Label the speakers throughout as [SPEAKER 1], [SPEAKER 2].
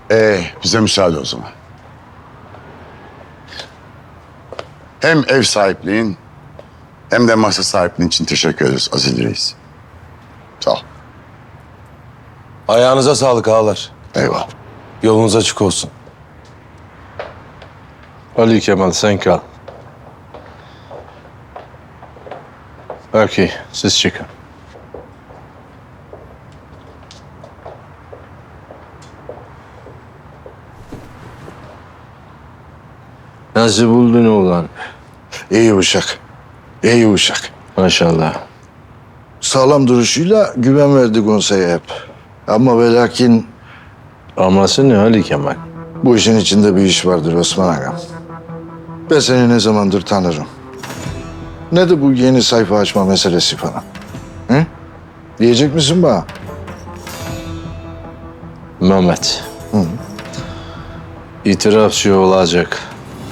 [SPEAKER 1] Bize müsaade o zaman. Hem ev sahipliğin hem de masa sahipliğin için teşekkür ederiz Aziz Reis. Sağ ol.
[SPEAKER 2] Ayağınıza sağlık ağalar.
[SPEAKER 1] Eyvallah.
[SPEAKER 2] Yolunuz açık olsun.
[SPEAKER 3] Ali Kemal sen kal. Okey, siz çıkın. Nasıl buldun oğlan?
[SPEAKER 4] İyi uşak. İyi uşak.
[SPEAKER 3] Maşallah.
[SPEAKER 4] Sağlam duruşuyla güven verdi konseye hep. Ama ve lakin
[SPEAKER 3] Aması ne Ali Kemal?
[SPEAKER 4] bu işin içinde bir iş vardır Osman Ağam. Ben seni ne zamandır tanırım. Ne de bu yeni sayfa açma meselesi falan. Hı? Diyecek misin bana?
[SPEAKER 3] Mehmet. İtirafçı olacak.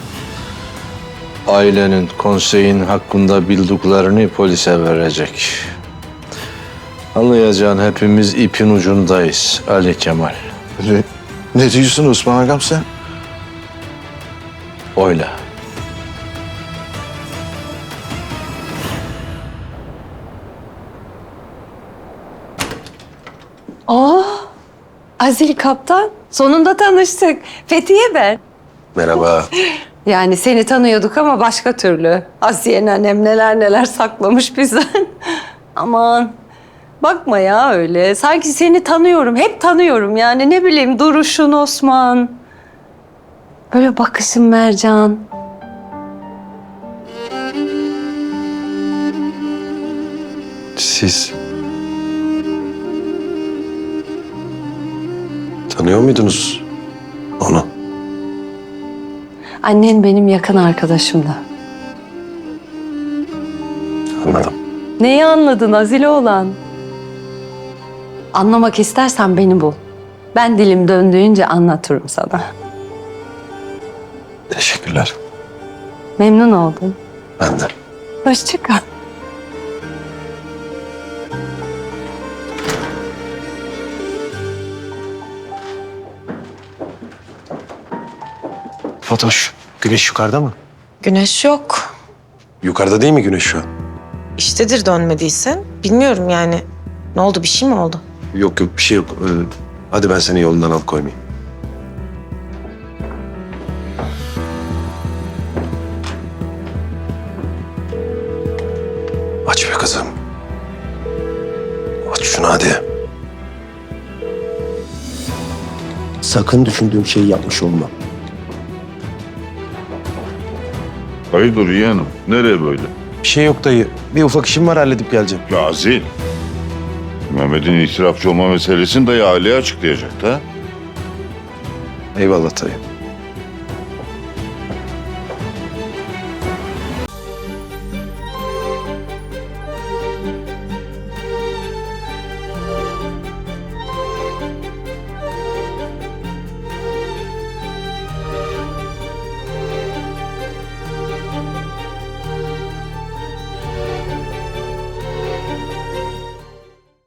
[SPEAKER 3] Ailenin, konseyin hakkında bildiklerini polise verecek. Anlayacağın hepimiz ipin ucundayız Ali Kemal.
[SPEAKER 4] Ne diyorsun Osman Ağam sen?
[SPEAKER 3] Öyle.
[SPEAKER 5] Azil kaptan, sonunda tanıştık. Fethiye ben.
[SPEAKER 2] Merhaba.
[SPEAKER 5] Yani seni tanıyorduk ama başka türlü. Asiye annem neler neler saklamış bizden. Aman, bakma ya öyle. Sanki seni tanıyorum, hep tanıyorum yani. Ne bileyim duruşun Osman. Böyle bakışın Mercan.
[SPEAKER 2] Siz tanıyor muydunuz onu?
[SPEAKER 5] Annen benim yakın arkadaşımdı.
[SPEAKER 2] Anladım.
[SPEAKER 5] Neyi anladın Azile olan? Anlamak istersen beni bul. Ben dilim döndüğünce anlatırım sana.
[SPEAKER 2] Teşekkürler.
[SPEAKER 5] Memnun oldum.
[SPEAKER 2] Ben de.
[SPEAKER 5] Hoşça kal.
[SPEAKER 2] Fatoş, güneş yukarıda mı?
[SPEAKER 6] Güneş yok.
[SPEAKER 2] Yukarıda değil mi güneş şu an?
[SPEAKER 6] İştedir dönmediyse. Bilmiyorum yani. Ne oldu, bir şey mi oldu?
[SPEAKER 2] Yok bir şey yok. Hadi ben seni yolundan alıkoymayayım. Aç be kızım. Aç şunu hadi.
[SPEAKER 7] Sakın düşündüğüm şeyi yapmış olma.
[SPEAKER 8] Hayırdır yeğenim? Nereye böyle?
[SPEAKER 2] Bir şey yok dayı. Bir ufak işim var halledip geleceğim.
[SPEAKER 8] Ya Azil. Mehmet'in itirafçı olma meselesini dayı aileye açıklayacak da.
[SPEAKER 2] Eyvallah dayı.